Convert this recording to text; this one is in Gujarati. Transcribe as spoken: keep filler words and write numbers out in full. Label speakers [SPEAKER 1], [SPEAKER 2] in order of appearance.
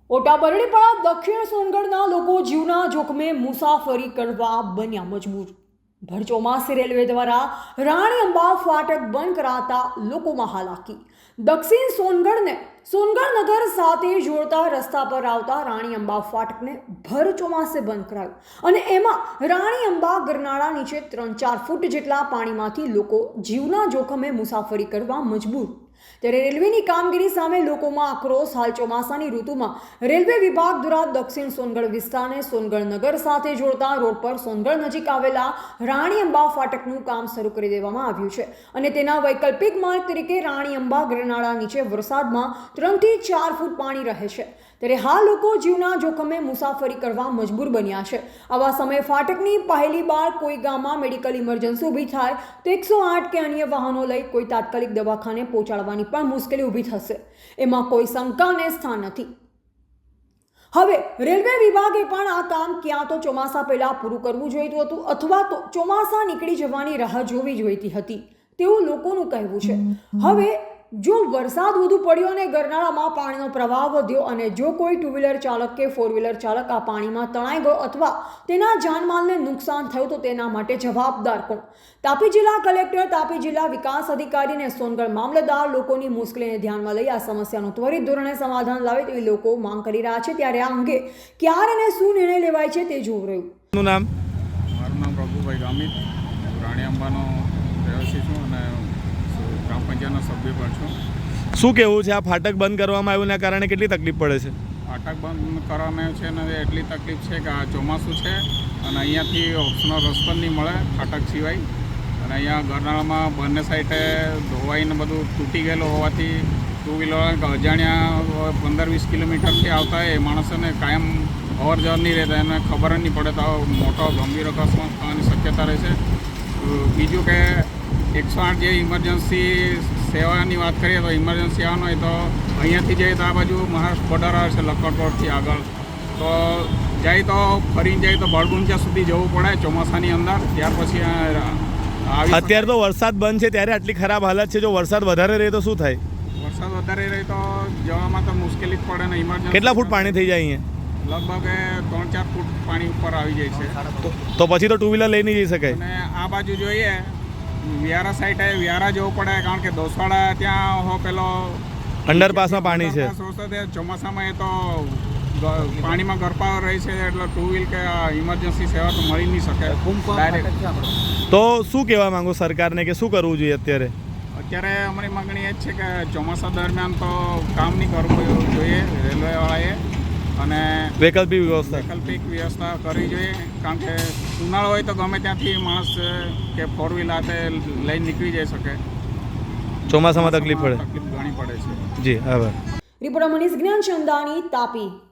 [SPEAKER 1] ઓટાબરડીપાડા દક્ષિણ સોનગઢના લોકો જીવના જોખમે મુસાફરી કરવા બન્યા મજબૂર. ભર ચોમાસે રેલવે દ્વારા રાણી અંબા ફાટક બંધ કરાતા લોકોમાં હાલાકી. દક્ષિણ સોનગઢને સોનગઢ નગર સાથે જોડતા રસ્તા પર આવતા રાણી અંબા ફાટકને ભર ચોમાસે બંધ કરાયું અને એમાં રાણી અંબા ગરનાળા નીચે ત્રણ ચાર ફૂટ જેટલા પાણીમાંથી લોકો જીવના જોખમે મુસાફરી કરવા મજબૂર. ત્યારે રેલવેની કામગીરી સામે લોકોમાં આક્રોશ. હાલ ચોમાસાની ઋતુમાં રેલવે વિભાગ દ્વારા દક્ષિણ સોનગઢ વિસ્તારને સોનગઢ નગર સાથે જોડતા રોડ પર સોનગઢ નજીક આવેલા રાણી અંબા ફાટકનું કામ શરૂ કરી દેવામાં આવ્યું છે અને તેના વૈકલ્પિક માર્ગ તરીકે રાણી અંબા ગરનાળા નીચે વરસાદમાં ત્રણથી ચાર ફૂટ પાણી રહે છે. ત્યારે હાલ લોકો જીવના જોખમે મુસાફરી કરવા મજબૂર બન્યા છે. આવા સમયે ફાટકની પહેલી બાર કોઈ ગામમાં મેડિકલ ઇમરજન્સી ઊભી થાય તો એકસો આઠ કે અન્ય વાહનો લઈ કોઈ તાત્કાલિક દવાખાને પહોંચાડવાની પણ મુશ્કેલી ઊભી થશે. એમાં કોઈ શંકાને સ્થાન નથી. હવે રેલવે વિભાગે પણ આ કામ ક્યાં તો ચોમાસા પહેલા પૂરું કરવું જોઈતું હતું અથવા તો ચોમાસા નીકળી જવાની રાહ જોવી જોઈતી હતી તેવું લોકોનું કહેવું છે. હવે જો વરસાદ વધુ પડ્યો અને ગરનાળામાં પાણીનો પ્રવાહ વધ્યો અને જો કોઈ ટુ વ્હીલર ચાલક કે ફોર વ્હીલર ચાલક આ પાણીમાં તણાઈ ગયો અથવા તેના જાનમાલને નુકસાન થયું તો તેના માટે જવાબદાર કોણ? તાપી જિલ્લા કલેક્ટર, તાપી જિલ્લા વિકાસ અધિકારી અને સોનગઢ મામલતદાર લોકોની મુશ્કેલીને ધ્યાનમાં લઈ આ સમસ્યાનું ત્વરિત ધોરણે સમાધાન લાવે તેવી લોકો માંગ કરી રહ્યા છે. ત્યારે આ અંગે ક્યારે અને શું નિર્ણય લેવાય છે તે જોવું રહ્યું.
[SPEAKER 2] નામ
[SPEAKER 3] મારું નામ પ્રભુભાઈ ગામિત, રાણી અંબાનો રહેવાસી છું અને ગ્રામ પંચાયતનો સભ્ય પણ છું.
[SPEAKER 2] શું કહેવું છે? આ ફાટક બંધ કરવામાં આવ્યું એના કારણે કેટલી તકલીફ પડે છે?
[SPEAKER 3] ફાટક બંધ કરવામાં આવ્યું છે અને એટલી તકલીફ છે કે આ ચોમાસું છે અને અહીંયાથી ઓપ્શનલ રસ્તો નહીં મળે ફાટક સિવાય. અને અહીંયા ગરનાળામાં બંને સાઈડે ધોવાઈને બધું તૂટી ગયેલું હોવાથી ટુ વ્હીલર અજાણ્યા પંદર વીસ કિલોમીટરથી આવતા એ માણસોને કાયમ અવર જવર નહીં રહેતા, એને ખબર જ નહીં પડે તો મોટો ગંભીર અકસ્માત થવાની શક્યતા રહે છે. બીજું કે એકસો આઠ જે ઇમરજન્સી સેવાની વાત કરીએ તો ઇમરજન્સી આવવાનું હોય તો અહીંયાથી જઈએ તો આ બાજુ મહારાષ્ટ્ર બોર્ડર આવે છે લખનપુરથી આગળ, તો જાય તો ફરીને જાય તો બળગુંજા સુધી જવું પડે ચોમાસાની અંદર. ત્યાર પછી
[SPEAKER 2] અત્યારે તો વરસાદ બંધ છે ત્યારે આટલી ખરાબ હાલત છે. જો વરસાદ વધારે રહે તો શું થાય?
[SPEAKER 3] વરસાદ વધારે રહે તો જવામાં તો મુશ્કેલી જ પડે ને. ઇમરજન્સી
[SPEAKER 2] કેટલા ફૂટ પાણી થઈ જાય અહીંયા?
[SPEAKER 3] લગભગ ત્રણ ચાર ફૂટ પાણી ઉપર આવી જાય છે.
[SPEAKER 2] તો પછી તો ટુ વ્હીલર લઈ નહીં જઈ શકાય.
[SPEAKER 3] અને આ બાજુ જોઈએ વ્યારા સાઈડે વ્યારા જવું પડે કારણ કે દોસવાડા ત્યાં હો પેલો
[SPEAKER 2] અંડરપાસમાં પાણી છે.
[SPEAKER 3] ચોમાસામાં એ તો પાણીમાં ગરપાવ રહી છે એટલે ટુ વ્હીલ કે ઇમરજન્સી સેવા તો મળી નહીં શકે ડાયરેક્ટ.
[SPEAKER 2] તો શું કહેવા માંગો સરકારને કે શું કરવું જોઈએ અત્યારે?
[SPEAKER 3] અત્યારે અમારી માગણી એ જ છે કે ચોમાસા દરમિયાન તો કામ નહીં કરવું જોઈએ રેલવેવાળાએ અને
[SPEAKER 2] વૈકલ્પિક વ્યવસ્થા
[SPEAKER 3] વૈકલ્પિક વ્યવસ્થા કરવી જોઈએ. કારણ કે ઉનાળો હોય તો ગમે ત્યાંથી માણસ કે ફોર વ્હીલ હાથે લઈને નીકળી જઈ શકે.
[SPEAKER 2] ચોમાસામાં તકલીફ પડે
[SPEAKER 3] તકલીફ ઘણી પડે છે.
[SPEAKER 2] જી આભાર.
[SPEAKER 1] રિપોર્ટર મનીષ જ્ઞાનચંદાની, તાપી.